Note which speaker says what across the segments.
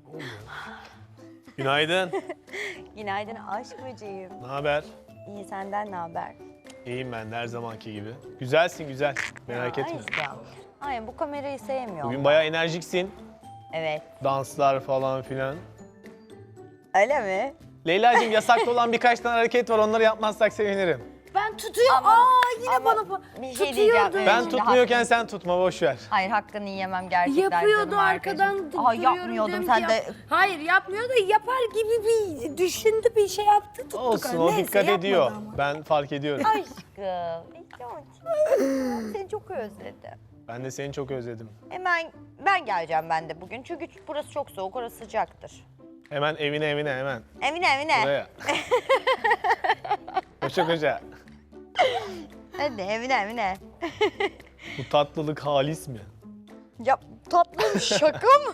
Speaker 1: Günaydın.
Speaker 2: Günaydın aşk böceğim.
Speaker 1: Ne haber?
Speaker 2: İyi, senden ne haber?
Speaker 1: İyiyim ben de her zamanki gibi. Güzelsin güzel. Merak etme.
Speaker 2: Aşkım. Hayır, bu kamerayı sevmiyorum.
Speaker 1: Bugün bayağı enerjiksin.
Speaker 2: Evet.
Speaker 1: Danslar falan filan.
Speaker 2: Öyle mi?
Speaker 1: Leyla'cığım yasaklı olan birkaç tane hareket var. Onları yapmazsak sevinirim.
Speaker 3: Ben tutuyorum.
Speaker 2: Ama-
Speaker 3: Yine
Speaker 2: ama
Speaker 3: bana
Speaker 2: bir şey diyeceğim. Evet,
Speaker 1: Ben
Speaker 2: şimdi
Speaker 1: tutmuyorken sen tutma boş ver.
Speaker 2: Hayır, hakkını yiyemem gerçekten.
Speaker 3: Yapıyordu
Speaker 2: canım
Speaker 3: arkadan
Speaker 2: arkadaşım. Aa,
Speaker 3: duruyorum
Speaker 2: yapmıyordum
Speaker 3: diyorum
Speaker 2: sen
Speaker 3: ki
Speaker 2: de.
Speaker 3: Hayır yapmıyor da yapar gibi bir düşündü, bir şey yaptı, tuttuk.
Speaker 1: Olsun o
Speaker 3: Neyse,
Speaker 1: dikkat
Speaker 3: yapmadı
Speaker 1: ediyor.
Speaker 3: ama.
Speaker 1: Ben fark ediyorum.
Speaker 2: Aşkım. Seni çok özledim.
Speaker 1: Ben de seni çok özledim.
Speaker 2: Hemen ben geleceğim ben de bugün. Çünkü burası çok soğuk, orası sıcaktır.
Speaker 1: Hemen evine hemen.
Speaker 2: Evine.
Speaker 1: Buraya. Koşa.
Speaker 2: Hadi evine.
Speaker 1: Bu tatlılık halis mi?
Speaker 2: Ya tatlım, şaka mı?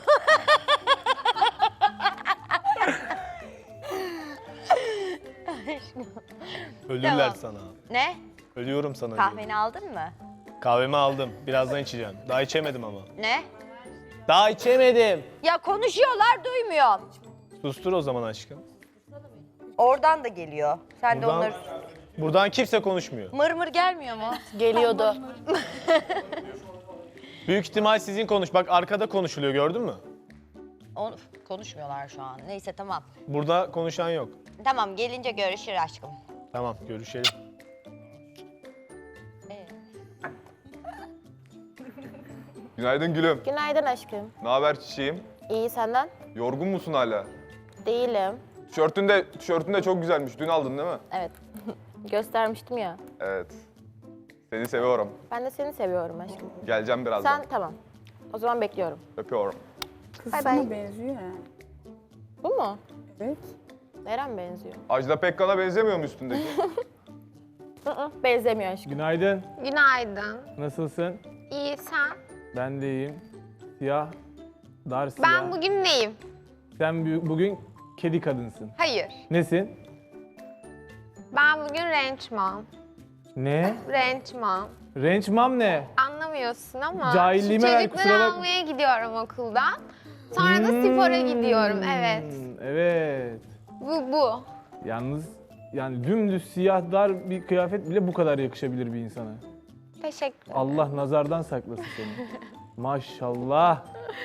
Speaker 1: Ölürler
Speaker 2: Tamam.
Speaker 1: sana.
Speaker 2: Ne?
Speaker 1: Ölüyorum sana. diyorum.
Speaker 2: Kahveni aldın mı?
Speaker 1: Kahvemi aldım. Birazdan içeceğim. Daha içemedim ama.
Speaker 2: Ne?
Speaker 1: Daha içemedim.
Speaker 2: Ya konuşuyorlar, duymuyorum.
Speaker 1: Sustur o zaman aşkım.
Speaker 2: Oradan da geliyor. Sen de
Speaker 1: Buradan-
Speaker 2: onları...
Speaker 1: Buradan kimse konuşmuyor.
Speaker 2: Mır gelmiyor mu?
Speaker 3: Geliyordu.
Speaker 1: Büyük ihtimal sizin konuş. Bak arkada konuşuluyor gördün mü?
Speaker 2: Onu konuşmuyorlar şu an. Neyse tamam.
Speaker 1: Burada konuşan yok.
Speaker 2: Tamam, gelince görüşür aşkım.
Speaker 1: Tamam görüşelim.
Speaker 4: Günaydın gülüm.
Speaker 5: Günaydın aşkım.
Speaker 4: Ne haber çiçeğim?
Speaker 5: İyi senden?
Speaker 4: Yorgun musun hala?
Speaker 5: Değilim.
Speaker 4: Tişörtün de çok güzelmiş. Dün aldın değil mi?
Speaker 5: Evet. Göstermiştim ya.
Speaker 4: Evet. Seni seviyorum.
Speaker 5: Ben de seni seviyorum aşkım.
Speaker 4: Geleceğim birazdan.
Speaker 5: Sen tamam. O zaman bekliyorum.
Speaker 4: Öpüyorum.
Speaker 5: Bay bay.
Speaker 6: benziyor yani.
Speaker 5: Bu mu?
Speaker 6: Evet.
Speaker 5: Neren benziyor?
Speaker 4: Ajda Pekkan'a benzemiyor mu üstündeki?
Speaker 5: Benzemiyor aşkım.
Speaker 7: Günaydın.
Speaker 8: Günaydın.
Speaker 7: Nasılsın?
Speaker 8: İyi sen?
Speaker 7: Ben de iyiyim. Siyah, dar siyah.
Speaker 8: Ben bugün neyim?
Speaker 7: Sen bugün kedi kadınsın.
Speaker 8: Hayır.
Speaker 7: Nesin?
Speaker 8: Ben bugün ranch mom.
Speaker 7: Ne?
Speaker 8: Ranch mom.
Speaker 7: Ranch mom ne?
Speaker 8: Anlamıyorsun ama
Speaker 7: Cahilliğime ver,
Speaker 8: çocukları
Speaker 7: kusura bakma.
Speaker 8: almaya gidiyorum okuldan. Sonra da spora gidiyorum. Evet.
Speaker 7: Evet.
Speaker 8: Bu.
Speaker 7: Yalnız yani dümdüz siyah dar bir kıyafet bile bu kadar yakışabilir bir insana.
Speaker 8: Teşekkür ederim.
Speaker 7: Allah nazardan saklasın seni. Maşallah.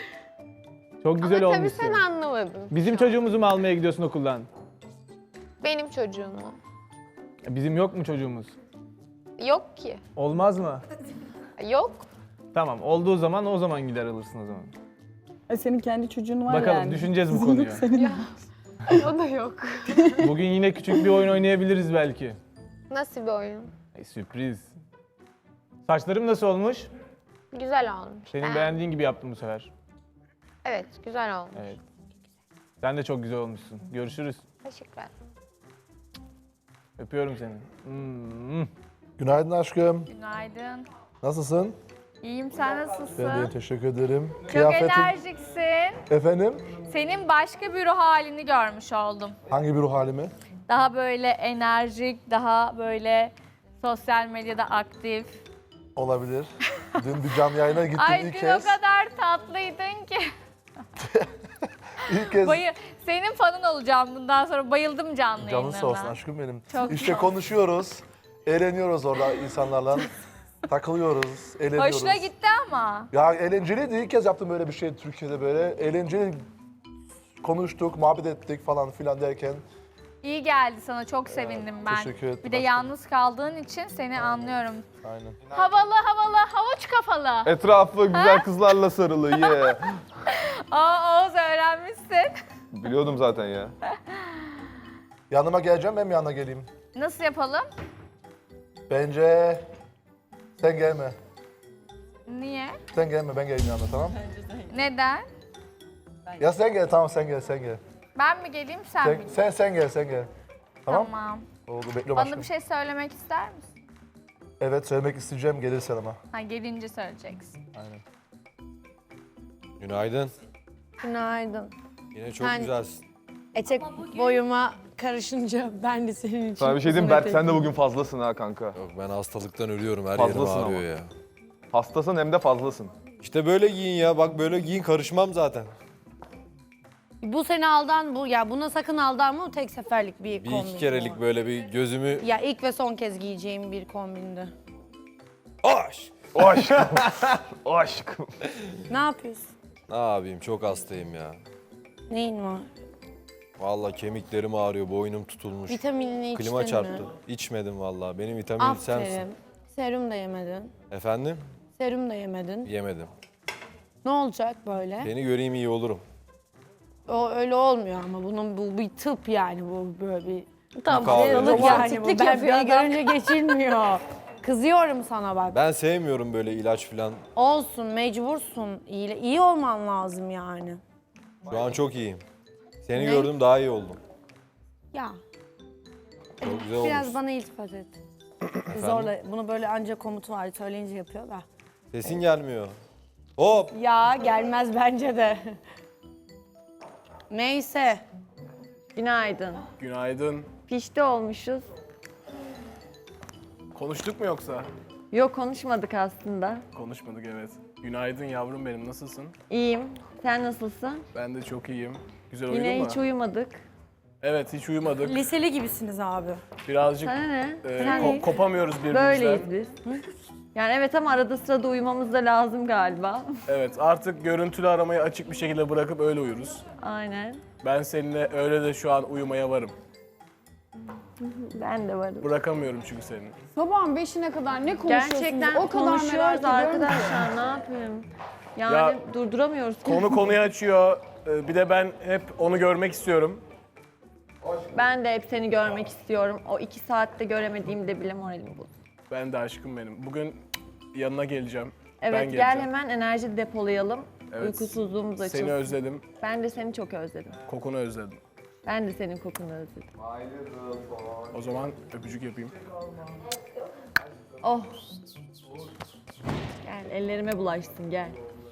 Speaker 7: Çok güzel
Speaker 8: Ama tabii
Speaker 7: olmuşsun.
Speaker 8: sen anlamadın.
Speaker 7: Bizim çocuğumuzu mu almaya gidiyorsun okuldan?
Speaker 8: Benim çocuğumu.
Speaker 7: Bizim yok mu çocuğumuz?
Speaker 8: Yok ki.
Speaker 7: Olmaz mı?
Speaker 8: Yok.
Speaker 7: Tamam, olduğu zaman o zaman gider alırsın o zaman.
Speaker 6: Senin kendi çocuğun var
Speaker 7: Bakalım,
Speaker 6: yani.
Speaker 7: düşüneceğiz bu
Speaker 6: Kızın
Speaker 7: konuyu.
Speaker 6: yok, senin var.
Speaker 8: O da yok.
Speaker 7: Bugün yine küçük bir oyun oynayabiliriz belki.
Speaker 8: Nasıl bir oyun?
Speaker 7: Sürpriz. Saçlarım nasıl olmuş?
Speaker 8: Güzel olmuş.
Speaker 7: Senin beğendiğin gibi yaptım bu sefer.
Speaker 8: Evet, güzel olmuş.
Speaker 7: Evet. Sen de çok güzel olmuşsun. Görüşürüz.
Speaker 8: Teşekkürler.
Speaker 7: Öpüyorum seni. Hmm.
Speaker 9: Günaydın aşkım.
Speaker 10: Günaydın.
Speaker 9: Nasılsın?
Speaker 10: İyiyim, sen nasılsın?
Speaker 9: Ben de teşekkür ederim.
Speaker 10: Çok enerjiksin.
Speaker 9: Efendim?
Speaker 10: Senin başka bir ruh halini görmüş oldum.
Speaker 9: Hangi bir ruh halimi?
Speaker 10: Daha böyle enerjik, daha böyle sosyal medyada aktif.
Speaker 9: Olabilir. Dün bir canlı yayına gittim
Speaker 10: Ay
Speaker 9: ilk
Speaker 10: dün
Speaker 9: kez.
Speaker 10: o kadar tatlıydın ki.
Speaker 9: İlk kez
Speaker 10: Senin fanın olacağım bundan sonra. Bayıldım canlı
Speaker 9: canın
Speaker 10: yayınlarına.
Speaker 9: sağ olsun aşkım benim.
Speaker 10: Çok
Speaker 9: işte
Speaker 10: sağ ol.
Speaker 9: konuşuyoruz. Eğleniyoruz orada insanlarla. Takılıyoruz, eğleniyoruz.
Speaker 10: Hoşuna gitti ama.
Speaker 9: Ya eğlenceliydi. İlk kez yaptım böyle bir şey Türkiye'de böyle. Eğlenceli konuştuk, muhabbet ettik falan filan derken.
Speaker 10: İyi geldi sana, çok sevindim ben.
Speaker 9: teşekkür ederim
Speaker 10: Bir de
Speaker 9: aşkım.
Speaker 10: yalnız kaldığın için seni anlıyorum.
Speaker 9: Aynen.
Speaker 10: Havalı, havuç kafalı.
Speaker 4: Etrafı güzel kızlarla sarılı. Yeah.
Speaker 10: Oğuz öğrenmişsin.
Speaker 4: Biliyordum zaten ya.
Speaker 9: Yanıma geleceğim, ben mi yanına geleyim?
Speaker 10: Nasıl yapalım?
Speaker 9: Bence sen gelme.
Speaker 10: Niye?
Speaker 9: Sen gelme, ben geleyim yanına, tamam?
Speaker 10: Neden?
Speaker 9: Ya sen gel, tamam sen gel.
Speaker 10: Ben mi geleyim, sen mi?
Speaker 9: Sen gel. Tamam?
Speaker 10: Tamam.
Speaker 9: Oldu, bekliyorum
Speaker 10: Bana
Speaker 9: aşkım.
Speaker 10: bir şey söylemek ister misin?
Speaker 9: Evet, söylemek isteyeceğim, gelirsen ama.
Speaker 10: Ha, gelince söyleyeceksin.
Speaker 9: Aynen.
Speaker 3: Günaydın. Günaydın. Yine çok güzelsin.
Speaker 6: Etek boyuma karışınca ben de senin için
Speaker 4: Sana bir şey diyeyim
Speaker 6: uzun
Speaker 4: Berk sen de
Speaker 6: etek-
Speaker 4: bugün fazlasın ha kanka.
Speaker 3: Yok ben hastalıktan ölüyorum. Her
Speaker 4: Fazlasın
Speaker 3: yerim ağrıyor
Speaker 4: ama.
Speaker 3: ya.
Speaker 4: Hastasın hem de fazlasın.
Speaker 3: İşte böyle giyin ya. Bak böyle giyin karışmam zaten.
Speaker 6: Bu sene buna sakın aldanma, o tek seferlik bir
Speaker 11: Bir
Speaker 6: kombin.
Speaker 11: iki kerelik böyle bir gözümü...
Speaker 6: Ya ilk ve son kez giyeceğim bir kombindi.
Speaker 11: Aş!
Speaker 4: O aşkım. O aşkım.
Speaker 6: Ne yapıyorsun?
Speaker 11: Ne yapayım, çok hastayım ya.
Speaker 6: Neyin var?
Speaker 11: Vallahi kemiklerim ağrıyor, boynum tutulmuş.
Speaker 6: Vitaminini içtin
Speaker 11: Klima
Speaker 6: mi?
Speaker 11: çarptı. İçmedim vallahi. Benim vitamin sensin.
Speaker 6: Aferin. Serum da yemedin.
Speaker 11: Efendim?
Speaker 6: Serum da yemedin.
Speaker 11: Yemedim.
Speaker 6: Ne olacak böyle?
Speaker 11: Beni göreyim iyi olurum.
Speaker 6: O öyle olmuyor ama bu bir tıp yani, bu böyle bir
Speaker 11: Kahve.
Speaker 6: hastalık yani bu.
Speaker 5: Romantiklik
Speaker 6: Ben
Speaker 5: yapıyor
Speaker 6: beni
Speaker 5: adam.
Speaker 6: görünce geçilmiyor. Kızıyorum sana bak.
Speaker 11: Ben sevmiyorum böyle ilaç falan.
Speaker 6: Olsun, mecbursun. İyi olman lazım yani.
Speaker 11: Şu an çok iyiyim. Seni gördüm daha iyi oldum.
Speaker 6: Ya
Speaker 11: Çok güzel
Speaker 6: biraz
Speaker 11: olmuş.
Speaker 6: bana iltifat et. Zorla bunu böyle ancak komut var söyleyince yapıyor da.
Speaker 11: Sesin gelmiyor. Hop!
Speaker 6: Ya gelmez bence de. Neyse.
Speaker 1: Günaydın.
Speaker 9: Günaydın.
Speaker 1: Pişti olmuşuz.
Speaker 9: Konuştuk mu yoksa?
Speaker 1: Yok konuşmadık aslında.
Speaker 9: Konuşmadık evet. Günaydın yavrum benim, nasılsın?
Speaker 1: İyiyim. Sen nasılsın?
Speaker 9: Ben de çok iyiyim. Güzel
Speaker 1: Yine
Speaker 9: uyudun mu?
Speaker 1: hiç uyumadık.
Speaker 9: Evet, hiç uyumadık.
Speaker 6: Liseli gibisiniz abi.
Speaker 9: Birazcık
Speaker 1: Sana ne?
Speaker 9: kopamıyoruz birbirimizden.
Speaker 1: Böyleyiz biz. Yani evet ama arada sırada uyumamız da lazım galiba.
Speaker 9: Evet, artık görüntülü aramayı açık bir şekilde bırakıp öyle uyuruz.
Speaker 1: Aynen.
Speaker 9: Ben seninle öyle de şu an uyumaya varım.
Speaker 1: Ben de varım.
Speaker 9: Bırakamıyorum çünkü seni.
Speaker 3: Sabahın 5'ine kadar ne konuşuyorsunuz?
Speaker 1: Gerçekten
Speaker 3: o kadar
Speaker 1: konuşuyoruz
Speaker 3: merak ediyorum ki.
Speaker 1: arkadaşlar. Ne yapayım? Yani
Speaker 9: Ya,
Speaker 1: durduramıyoruz.
Speaker 9: Konuyu açıyor. Bir de ben hep onu görmek istiyorum.
Speaker 1: Ben de hep seni görmek istiyorum. O 2 saatte göremediğimde bile moralim bozuldu.
Speaker 9: Ben de aşkım benim. Bugün yanına geleceğim. Ben
Speaker 1: Evet
Speaker 9: geleceğim.
Speaker 1: gel hemen enerji depolayalım.
Speaker 9: Evet.
Speaker 1: Uykusuzluğumuz açılsın.
Speaker 9: Seni özledim.
Speaker 1: Ben de seni çok özledim.
Speaker 9: Kokunu özledim.
Speaker 1: Ben de senin kokunu özledim.
Speaker 9: O zaman öpücük yapayım.
Speaker 1: Oh. Gel ellerime bulaşsın gel.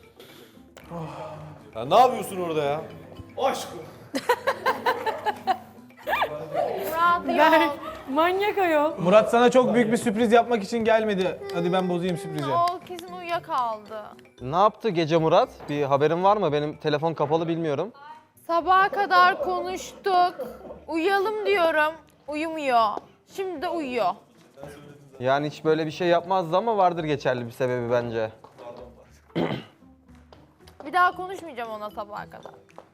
Speaker 11: Ya ne yapıyorsun orada ya?
Speaker 4: Aşkım.
Speaker 6: Ben manyak ayol.
Speaker 7: Murat sana çok büyük bir sürpriz yapmak için gelmedi. Hadi ben bozayım sürprizi.
Speaker 8: O kesin uyuyakaldı.
Speaker 12: Ne yaptı gece Murat? Bir haberin var mı? Benim telefon kapalı, bilmiyorum.
Speaker 8: Sabaha kadar konuştuk. Uyuyalım diyorum. Uyumuyor. Şimdi de uyuyor.
Speaker 12: Yani hiç böyle bir şey yapmazdı ama vardır geçerli bir sebebi bence.
Speaker 8: Bir daha konuşmayacağım ona sabaha kadar.